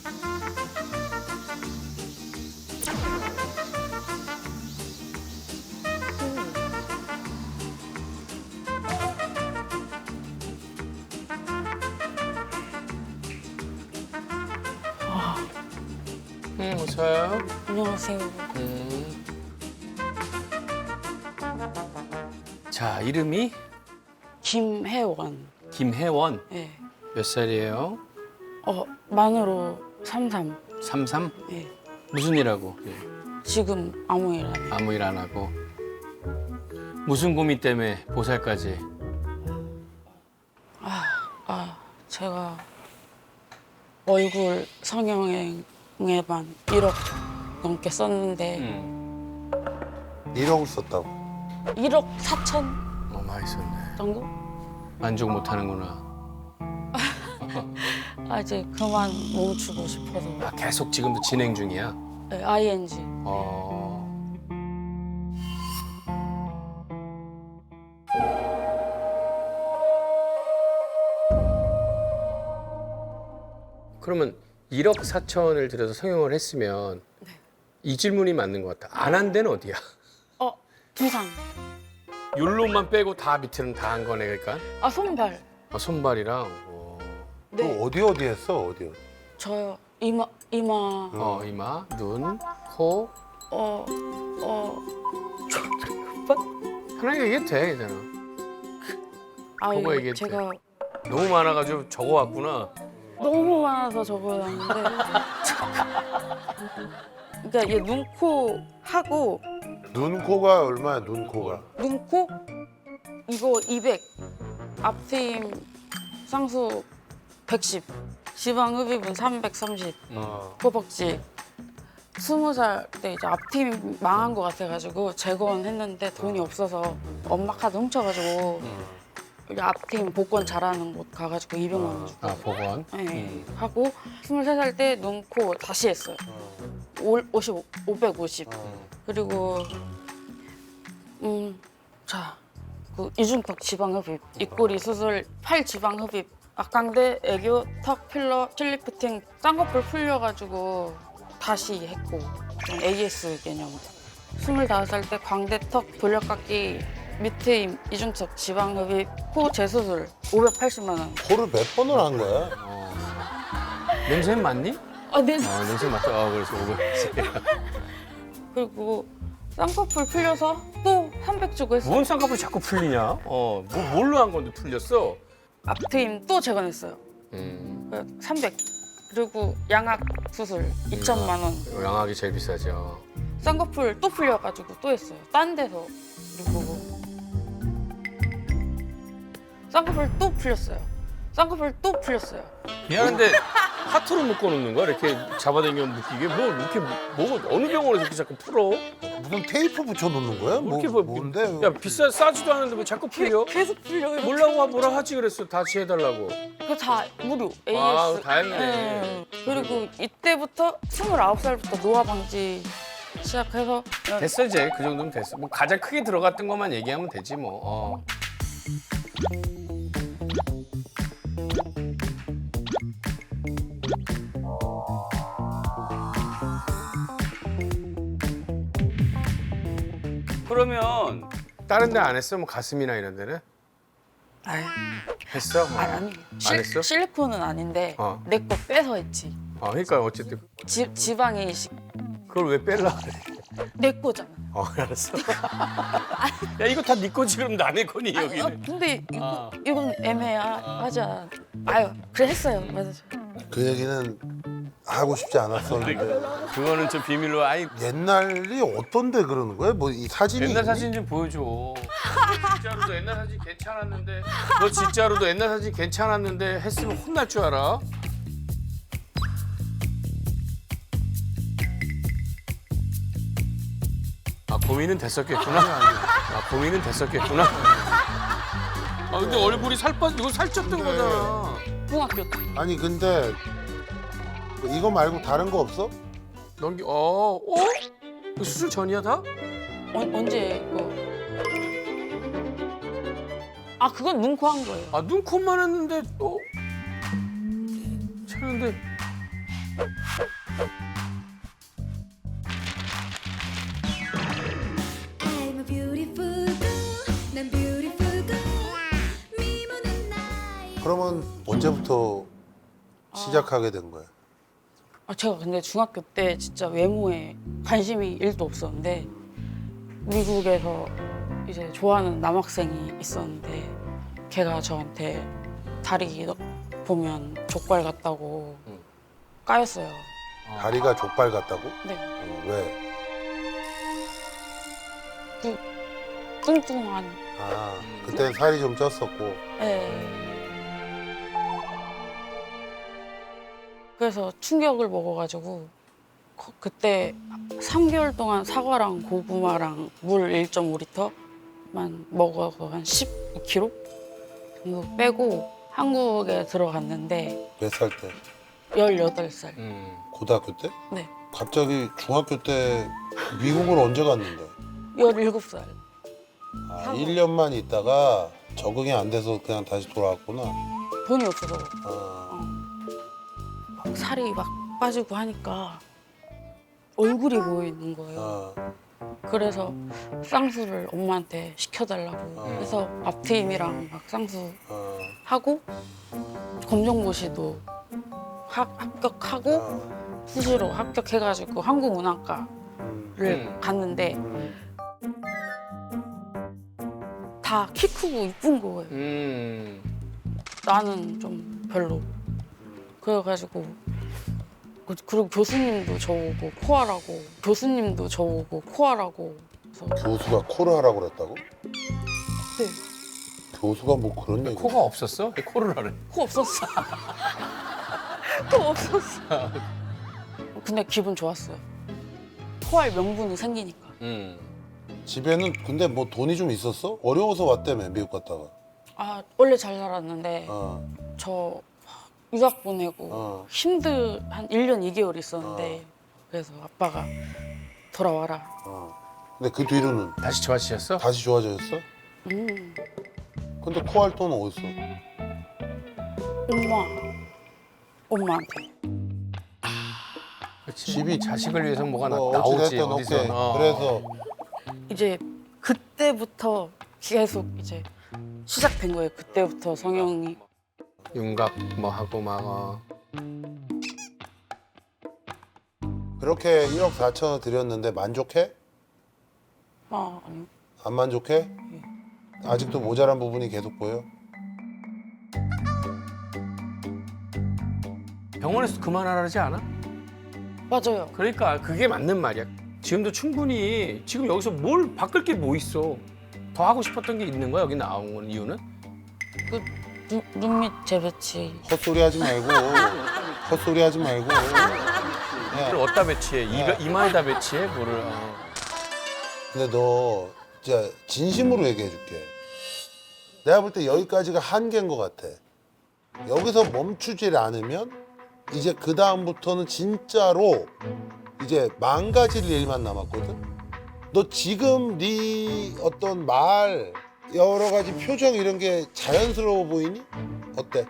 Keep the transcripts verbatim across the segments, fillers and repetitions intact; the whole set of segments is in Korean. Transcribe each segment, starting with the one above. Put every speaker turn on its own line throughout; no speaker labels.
응, 어서요.
안녕하세요.
음. 자, 이름이
김혜원.
김혜원.
예.
몇 살이에요?
어, 만으로 삼삼.
삼삼?
예.
무슨 일하고? 예.
지금 아무 일 안 해요.
아무 일 안 하고. 무슨 고민 때문에 보살까지?
아, 제가 얼굴 성형에만 일억 넘게 썼는데
응.
일억을 썼다고.
일억 사천
어, 많이 썼네.
정도?
만족 못 하는구나.
아, 이제 그만 멈추고 싶어서.
아, 계속 지금도 진행 중이야?
네, 아이엔지.
어. 그러면 일억 사천을 들여서 성형을 했으면 이 질문이 맞는 것 같아. 안 한 데는 어디야?
어, 두상.
율로만 빼고 다 밑에는 다 한 거네, 그러니까?
아, 손발.
아, 손발이랑. 어,
네.
또 어디 어디 했어? 어디 어디?
저요. 이마, 이마.
어, 이마, 눈, 코.
어, 어.
하나 얘기해도 돼, 괜찮아.
아,
그거
이거
얘기해도
제가
너무 많아가지고 적어왔구나.
너무 많아서 적어놨는데. 그러니까 얘 눈, 코 하고
눈 코가 얼마야? 눈 코가.
눈, 코 이거 이백, 앞트임 쌍수 백십, 지방 흡입은 삼백삼십,
어.
허벅지. 스무 살 때 이제 앞트임 망한 거 같아가지고 재건했는데 돈이 없어서 엄마 카드 훔쳐가지고 여기 앞트임 복권 잘하는 곳 가가지고 이백만 원 주고
아, 복원.
네, 하고 스물세 살 때 눈, 코 다시 했어요. 오, 오십, 오백오십. 그리고 음, 자, 그 이중턱 지방 흡입, 입꼬리 수술, 팔 지방 흡입, 악강대, 애교, 턱 필러, 칠리프팅, 쌍꺼풀 풀려가지고 다시 했고 좀 에이에스 개념. 스물다섯 살 때 광대, 턱 돌려깎기, 밑트임, 이중턱 지방 흡입, 코 재수술 오백팔십만 원.
코를 몇 번을 한 거야?
어. 냄새는 맞니?
아, 네.
아, 냄새 맞다. 아, 그래서 오백팔십.
그리고 쌍꺼풀 풀려서 또 삼백 주고 했어요.
뭔 쌍꺼풀이 자꾸 풀리냐? 어, 뭐, 뭘로 한 건데 풀렸어?
앞트임 또 재건했어요.
음,
그 삼백. 그리고 양악 수술 이천만 원.
양악이 제일 비싸죠.
쌍꺼풀 또 풀려가지고 또 했어요. 딴 데서. 그리고 쌍꺼풀 또 풀렸어요. 쌍꺼풀 또 풀렸어요.
미안한데 하트로 묶어놓는 거야? 이렇게 잡아당기면 묶이게? 뭐 이렇게 뭐가 어느 병원에서 이렇게 자꾸 풀어?
무슨 테이프 붙여놓는 거야? 뭐,
이렇게 뭐
뭔데?
야 비싸 싸지도 않은데 왜 자꾸 풀려?
계속 풀려요.
몰라고 뭐라 하지 그랬어. 다시 해달라고.
그거 다 무료. 에이에스.
아, 다행이네.
네. 그리고 이때부터 스물아홉 살부터 노화 방지 시작해서
됐어 이제 그 정도면 됐어. 뭐 가장 크게 들어갔던 것만 얘기하면 되지 뭐. 어. 그러면 다른 데 안 했어? 뭐 가슴이나 이런 데는?
아유,
했어?
아니, 아니. 실,
했어?
실리콘은 아닌데
어.
내 거 빼서 했지.
어, 그러니까 어쨌든
지, 지방에 이식
그걸 왜 뺄라 그래?
내 거잖아.
어, 알았어. 야, 이거 다 네 거지 그럼 남의 거니
아,
여기는.
근데 이거
아.
이건 애매하자. 아유, 그래 했어요. 맞아.
그 얘기는 하고 싶지 않았었는데.
그거는 좀 비밀로. 아이
옛날이 어떤데 그러는 거야? 뭐 이 사진이
옛날
있니?
사진 좀 보여줘. 진짜로도 옛날 사진 괜찮았는데. 너 진짜로도 옛날 사진 괜찮았는데 했으면 혼날 줄 알아? 아 고민은 됐었겠구나. 아 고민은 됐었겠구나. 아 근데 얼굴이 살 빠, 이거 살쪘던
근데-
거잖아.
중학교 때.
아니 근데 이거 말고 다른 거 없어?
넘기, 어, 어? 이거 수술 전이야 다?
어, 언제 거? 아, 그건 눈코 한 거예요.
아 눈, 코만 했는데 또. 차는데
I'm a beautiful girl. 난 beautiful girl. 미모는 나의
그러면 언제부터 시작하게 된 거야?
아, 제가 근데 중학교 때 진짜 외모에 관심이 일도 없었는데 미국에서 이제 좋아하는 남학생이 있었는데 걔가 저한테 다리 너- 보면 족발 같다고
응.
까였어요.
다리가 족발 같다고?
네,
어, 왜?
뚱뚱한.
아, 그때 살이 좀 쪘었고.
네. 그래서 충격을 먹어가지고 거- 그때 삼 개월 동안 사과랑 고구마랑 물 일 점 오 리터만 먹어서 한 십이 킬로그램 정도 빼고 한국에 들어갔는데
몇 살 때?
열여덟 살.
음.
고등학교 때?
네,
갑자기 중학교 때 미국을 언제 갔는데?
열일곱 살.
아,
하고.
일 년만 있다가 적응이 안 돼서 그냥 다시 돌아왔구나.
돈이 없어서
아,
막 살이 막 빠지고 하니까 얼굴이 보이는 거예요.
아,
그래서 쌍수를 엄마한테 시켜달라고
어.
해서 앞트임이랑 막 쌍수
아,
하고 검정고시도 하- 합격하고
아,
수시로 합격해가지고 한국문학과를
음,
음.
갔는데 다 키 크고 이쁜 거예요.
음.
나는 좀 별로. 그래가지고 그- 그리고 교수님도 저보고 코하라고 교수님도 저보고 코하라고 그래서
교수가 코를 하라고 그랬다고?
네,
교수가 뭐 그런 얘기?
코가 없었어? 왜 코를 하래?
코 없었어. 코 없었어. 근데 기분 좋았어요. 코할 명분이 생기니까.
음.
집에는 근데 뭐 돈이 좀 있었어? 어려워서 왔다며 미국 갔다가.
아 원래 잘 살았는데
어,
저 유학 보내고
어.
힘들 한 일 년 이 개월 있었는데 그래서 아빠가 돌아와라.
어. 근데 그 뒤로는
다시 좋아지셨어?
다시 좋아졌어?
음,
근데 코 할 돈은 어딨어?
엄마, 엄마한테.
그렇지.
집이-
자식을 위해서 뭐가 나,
뭐
나오지
어찌됐든
어디서.
오케이.
어.
그래서
이제 그때부터 계속 이제 시작된 거예요. 그때부터 성형이.
윤곽 뭐 하고 막 어.
그렇게 일억 사천을 드렸는데 만족해?
아 아니요.
안 만족해? 아직도 모자란 부분이 계속 보여?
병원에서 그만하라지 않아?
맞아요.
그러니까 그게 맞는 말이야. 지금도 충분히 지금 여기서 뭘 바꿀 게 뭐 있어? 더 하고 싶었던 게 있는 거야 여기 나온 이유는?
그 눈, 눈밑 재배치.
헛소리 하지 말고 헛소리 하지 말고 야,
그걸 어디다 배치해? 이, 이마에다 배치해? 뭐를? 어.
근데 너 진짜 진심으로 얘기해 줄게. 내가 볼 때 여기까지가 한계인 것 같아. 여기서 멈추질 않으면 이제 그 다음부터는 진짜로 이제 망가질 일만 남았거든. 너 지금 네 어떤 말 여러 가지 표정 이런 게 자연스러워 보이니? 어때?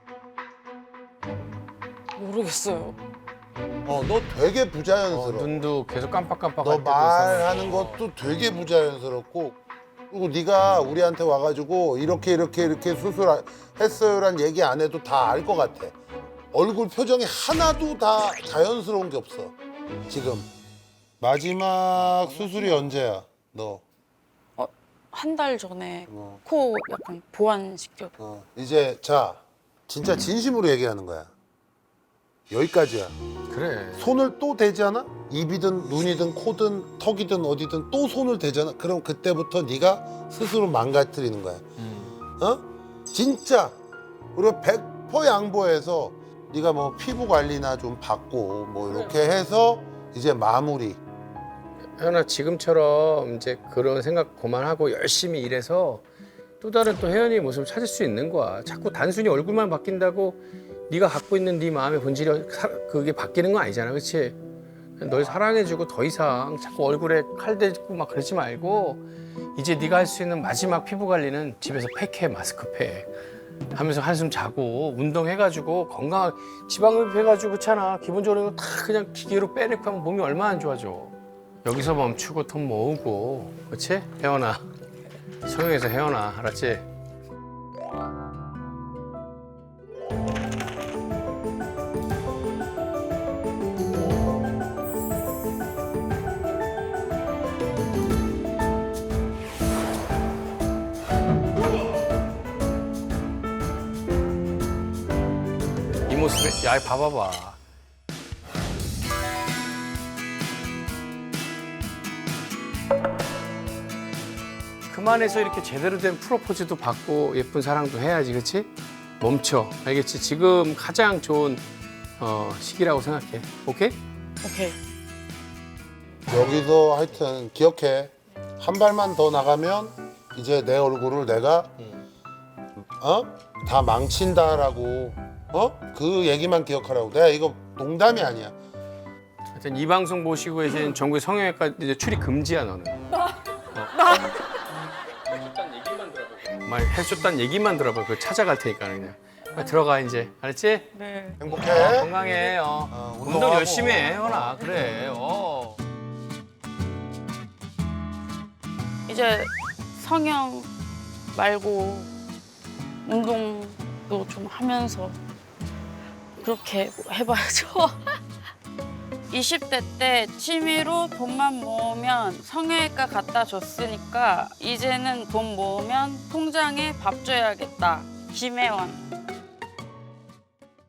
모르겠어요.
어, 너 되게
어,
부자연스러워.
눈도 계속 깜빡깜빡.
너 말하는 것도 되게 부자연스럽고 그리고 네가 우리한테 와가지고 이렇게 이렇게 이렇게 수술했어요란 얘기 안 해도 다 알 것 같아. 얼굴 표정이 하나도 다 자연스러운 게 없어. 지금 마지막 수술이 언제야? 너
어, 한 달 전에
어.
코 약간 보완시켜.
어, 이제 자 진짜 진심으로 얘기하는 거야. 여기까지야.
그래.
손을 또 대잖아? 입이든 눈이든 코든 턱이든 어디든 또 손을 대잖아? 그럼 그때부터 네가 스스로 망가뜨리는 거야.
음.
어? 진짜 우리가 백 퍼센트 양보해서 네가 뭐 피부 관리나 좀 받고 뭐 이렇게 해서 이제 마무리.
혜연아 지금처럼 이제 그런 생각 그만하고 열심히 일해서 또 다른 또 혜연이의 모습을 찾을 수 있는 거야. 자꾸 단순히 얼굴만 바뀐다고 네가 갖고 있는 네 마음의 본질이 사- 그게 바뀌는 건 아니잖아, 그렇지? 널 사랑해주고 더 이상 자꾸 얼굴에 칼 대고 막 그러지 말고 이제 네가 할 수 있는 마지막 피부 관리는 집에서 팩해, 마스크팩. 하면서 한숨 자고 운동해가지고 건강 지방흡입 해가지고 그렇잖아. 기본적으로 다 그냥 기계로 빼내고 하면 몸이 얼마나 안 좋아져. 여기서 멈추고 돈 모으고 그렇지? 혜원아 성형에서 혜원아 알았지? 이 모습에 야 봐봐봐. 그만해서 이렇게 제대로 된 프로포즈도 받고 예쁜 사랑도 해야지, 그렇지? 멈춰, 알겠지? 지금 가장 좋은 어, 시기라고 생각해. 오케이?
오케이.
여기서 하여튼 기억해. 한 발만 더 나가면 이제 내 얼굴을 내가 어? 다 망친다라고 어? 그 얘기만 기억하라고. 내가 이거 농담이 아니야.
하여튼 이 방송 보시고 계신 전국의 성형외과 이제 출입 금지야 너는. 어. 해줬단 얘기만 들어봐. 말 해줬단 얘기만 들어봐. 그거 찾아갈 테니까 그냥. 빨리 들어가 이제. 알았지?
네.
행복해.
어, 건강해. 어.
어,
운동
운동하고.
열심히 해, 혜원아. 그래. 어.
이제 성형 말고 운동도 좀 하면서 그렇게 해봐야죠. 이십 대 때 취미로 돈만 모으면 성형외과 갖다 줬으니까 이제는 돈 모으면 통장에 밥 줘야겠다. 김혜원.